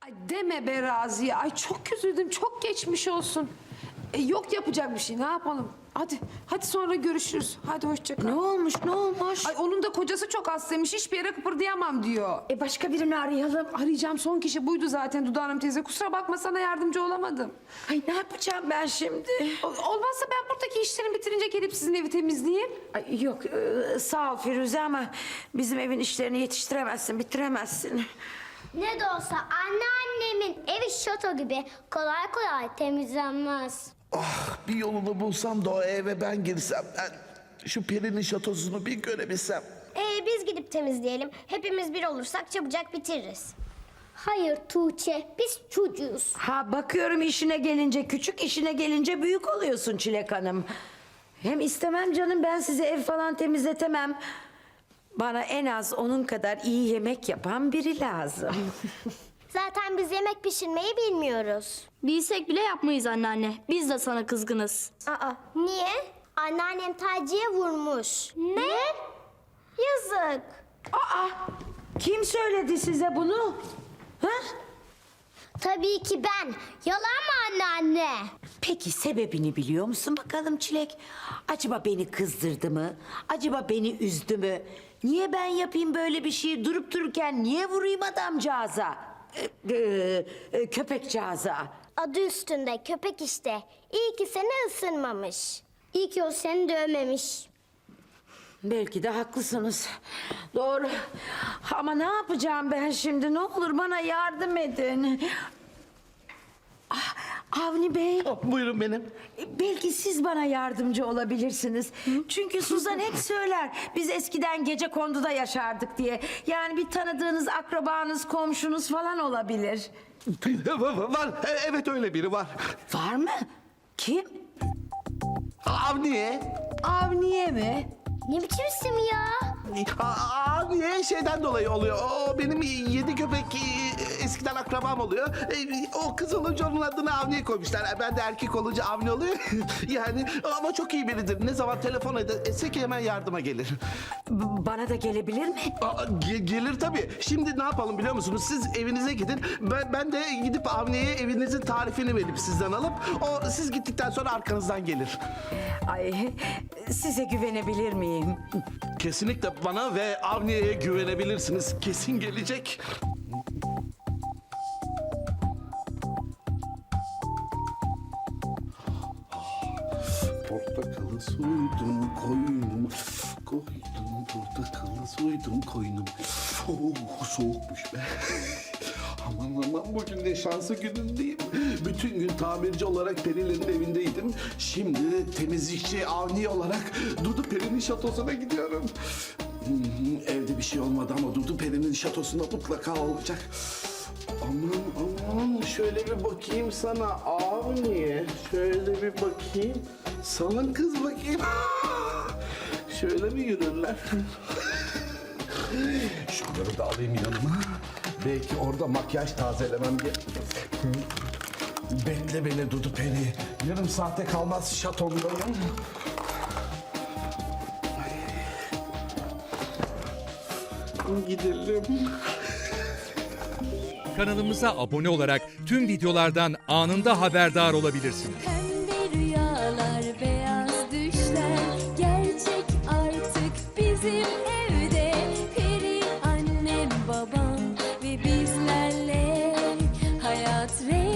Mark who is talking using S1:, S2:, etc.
S1: Ay deme be Raziye. Ay çok üzüldüm. Çok geçmiş olsun. Yok yapacak bir şey. Ne yapalım? Hadi sonra görüşürüz. Hadi hoşça kal.
S2: Ne olmuş, ne olmuş?
S1: Ay onun da kocası çok hastaymış. Hiçbir yere kıpırdayamam diyor.
S2: Başka birini arayalım.
S1: Arayacağım son kişi buydu zaten Dudu Hanım teyze. Kusura bakma sana yardımcı olamadım.
S2: Ay ne yapacağım ben şimdi?
S1: Olmazsa ben buradaki işlerimi bitirince gelip sizin evi temizleyeyim.
S2: Ay, yok sağ ol Firuze ama bizim evin işlerini yetiştiremezsin, bitiremezsin.
S3: Ne de olsa anneannemin evi şato gibi kolay kolay temizlenmez.
S4: Ah, bir yolunu bulsam da o eve ben girsem. Ben şu Peri'nin şatosunu bir görebilsem.
S3: Biz gidip temizleyelim. Hepimiz bir olursak çabucak bitiririz. Hayır Tuğçe, biz çocuğuz.
S2: Ha bakıyorum işine gelince küçük, işine gelince büyük oluyorsun Çilek Hanım. Hem istemem canım, ben size ev falan temizletemem. Bana en az onun kadar iyi yemek yapan biri lazım.
S3: Zaten biz yemek pişirmeyi bilmiyoruz.
S5: Bilsek bile yapmayız anneanne. Biz de sana kızgınız.
S3: Niye? Anneannem Taci'ye vurmuş. Ne? Yazık.
S2: Aa, kim söyledi size bunu? Ha?
S3: Tabii ki ben. Yalan mı anneanne?
S2: Peki sebebini biliyor musun bakalım Çilek? Acaba beni kızdırdı mı? Acaba beni üzdü mü? Niye ben yapayım böyle bir şeyi, durup dururken niye vurayım adamcağıza? Köpekcağıza.
S3: Adı üstünde köpek işte. İyi ki seni ısırmamış. İyi ki o seni dövmemiş.
S2: Belki de haklısınız. Doğru. Ama ne yapacağım ben şimdi? Ne olur bana yardım edin. Avni Bey.
S4: Buyurun benim.
S2: Belki siz bana yardımcı olabilirsiniz. Çünkü Suzan hep söyler. Biz eskiden gecekonduda yaşardık diye. Yani bir tanıdığınız akrabanız, komşunuz falan olabilir.
S4: Var. Evet öyle biri var.
S2: Var mı? Kim?
S4: Avniye.
S2: Avniye mi?
S3: Ne biçim isim ya?
S4: Avniye şeyden dolayı oluyor. O benim 7 köpek eskiden akrabam oluyor. O kız olunca onun adını Avniye koymuşlar. Ben de erkek olunca Avni oluyor. Yani ama çok iyi biridir. Ne zaman telefon etsek hemen yardıma gelir.
S2: Bana da gelebilir mi?
S4: Gelir tabii. Şimdi ne yapalım biliyor musunuz? Siz evinize gidin. Ben de gidip Avniye'ye evinizin tarifini verip sizden alıp o siz gittikten sonra arkanızdan gelir.
S2: Ay, size güvenebilir miyim?
S4: Kesinlikle bana ve Avniye'ye güvenebilirsiniz. Kesin gelecek. Portakalı soydum koynum, koydum portakalı soydum koynum. Soğukmuş be. Aman bugün ne şanslı günündeyim. Bütün gün tamirci olarak Perilerin evindeydim. Şimdi de temizlikçi Avni olarak Dudu Peri'nin şatosuna gidiyorum. Evde bir şey olmadı ama Dudu Peri'nin şatosunda mutlaka olacak. Aman şöyle bir bakayım sana Avni. Şöyle bir bakayım. Salın kız bakayım. Şöyle mi yürürler? Şunları da alayım yanıma. Belki orada makyaj tazelemem gerek. Bekle beni Dudu Peri. Yarım saate kalmaz şatomdayım. Gidelim.
S6: Kanalımıza abone olarak tüm videolardan anında haberdar olabilirsiniz.
S7: Pembe rüyalar, beyaz düşler gerçek artık bizim evde. Peri annem, babam ve bizlerle hayat rengi